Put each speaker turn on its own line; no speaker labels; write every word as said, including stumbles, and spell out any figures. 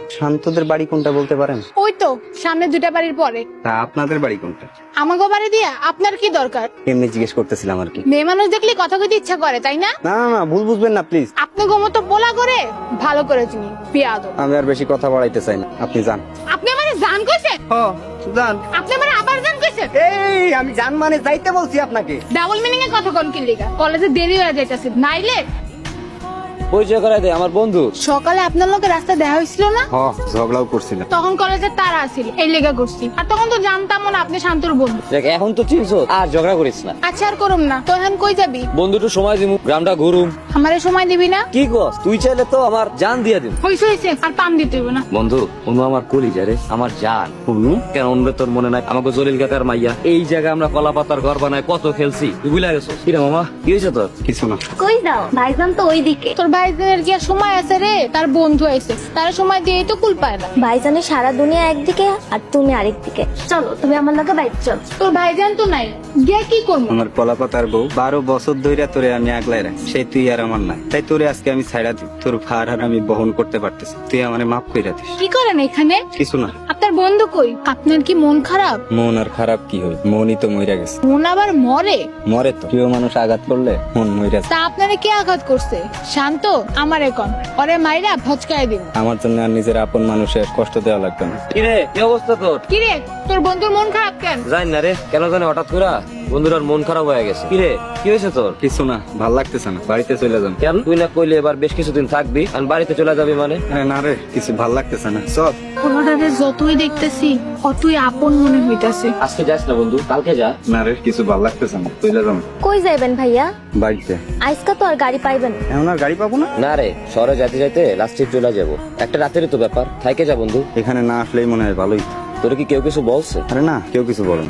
শান্তদের বাড়ি কোনটা বলতে পারেন?
ওই তো সামনে দুটা বাড়ির পরে।
তা আপনাদের বাড়ি কোনটা?
আমাকে বাড়ি দিয়া আপনার কি দরকার?
এমনি জিজ্ঞেস করতেছিলাম আর কি।
মেয়ে মানুষ দেখলে কথা কইতে ইচ্ছা করে তাই না?
না না না, ভুল বুঝবেন না প্লিজ।
আপনি গোমতো পোলা করে ভালো করে চিনি পেয়াদব।
আমি আর বেশি কথা বাড়াইতে চাই না, আপনি যান।
আপনি আমারে জান কইছেন?
ও যান।
আপনি আমারে আবার জান কইছেন?
এই আমি জান মানে যাইতে বলছি আপনাকে।
ডাবল মিনিং এ কথা কোন কি লিগা? কলেজে দেরি হয়ে যাইতাছে নাইলে
পরিচয় করাই দে আমার বন্ধু।
সকালে আপনার লোকে রাস্তা দেখা হয়েছিল না?
হ ঝগড়াও করছিলাম।
তখন কলেজের তারা আছিল এই লেগা করছি। আর তখন তো জানতাম না আপনি শান্তর বন্ধু।
দেখ এখন তো চিনছো, আর ঝগড়া করিস না।
আচ্ছা আর করুম না। তো এখন কই যাবি?
বন্ধুটু সময় দিমু, গ্রামটা ঘুরুম।
আমারে সময় দিবি না?
কি কস তুই চাইলে তো আমার জান দিয়া দিম।
হইছে হইছে আর পাম দিতে হইব না।
বন্ধু অনু আমার কলিজা রে, আমার জান। অনু কেন অনুরে তোর মনে নাই আমাকে জলিল কাকার মাইয়া এই জায়গায় আমরা কলা পাতার ঘর বানায় কত খেলছি, তুই ভুলে গেছো? কি রে মামা কি হয়েছে তোর?
কিছু না।
কই যাও? ভাইজান তো ওইদিকে।
তোর ভাইজানের কি আর সময় আছে রে? তার বন্ধু আইছে, তার সময় দিয়েই তো কুল পায় না।
ভাইজানের সারা দুনিয়া একদিকে আর তুমি আরেকদিকে। চলো তুমি আমার লগে বাইক চল।
তোর ভাইজান তো নাই, গিয়া কি করবো?
আমার কলাপাতার বউ বারো বছর ধরে তোরে আমি আগলাই রাখি, সেই তুই আর আমার নাই। তাই তোরে আজকে আমি ছাইড়া দিই। তোর ভার আর আমি বহন করতে পারতেছি, তুই আমারে মাফ কইরা দিস।
কি করেন এখানে?
কিছু না।
আপনার বন্ধু কই? আপনার কি মন খারাপ?
মন আর খারাপ কি হয়, মনই তো মইরা গেছে।
মন আবার মরে?
মরে তো, প্রিয় মানুষ আঘাত করলে মন মইরা যায়।
তা আপনারে কে আঘাত করছে? শান্ত আমার এখন ওরে মাইরা ভচকায় দিন।
আমার জন্য আর নিজের আপন মানুষের কষ্ট দেওয়া লাগবে না।
কি রে কি অবস্থা তোর?
কি রে তোর বন্ধুর মন খারাপ কেন?
জানি না রে, কেন জানি হঠাৎ করে বন্ধুরার মন খারাপ হয়ে গেছে। কি রে কি হয়েছে তোর?
কিছু না, ভাল লাগতেছে না, বাড়িতে চলে যান।
কেন তুই না কইলে এবার বেশ কিছুদিন থাকবি আর বাড়িতে চলে যাবি মানে?
আরে না রে, কিছু ভাল লাগতেছে না, চল।
ওনারে যতই দেখতেছি অতই আপন মনে হইতাছে।
আজকে যাস না বন্ধু, কালকে যা।
না রে, কিছু ভাল লাগতেছে না, চলে যান।
কই যাইবেন ভাইয়া?
বাড়িতে।
আজকা তো আর গাড়ি পাইবেন না।
এখন আর গাড়ি পাবো না।
না রে, শহরে যাইতে যাইতে লাস্টে চলে যাবো। একটা রাতেরই তো ব্যাপার, থাইকে যা বন্ধু।
এখানে না আসলেই মনে হয় ভালোই।
তোর কি কেউ কিছু বলছে?
আরে না, কেউ কিছু বলে না।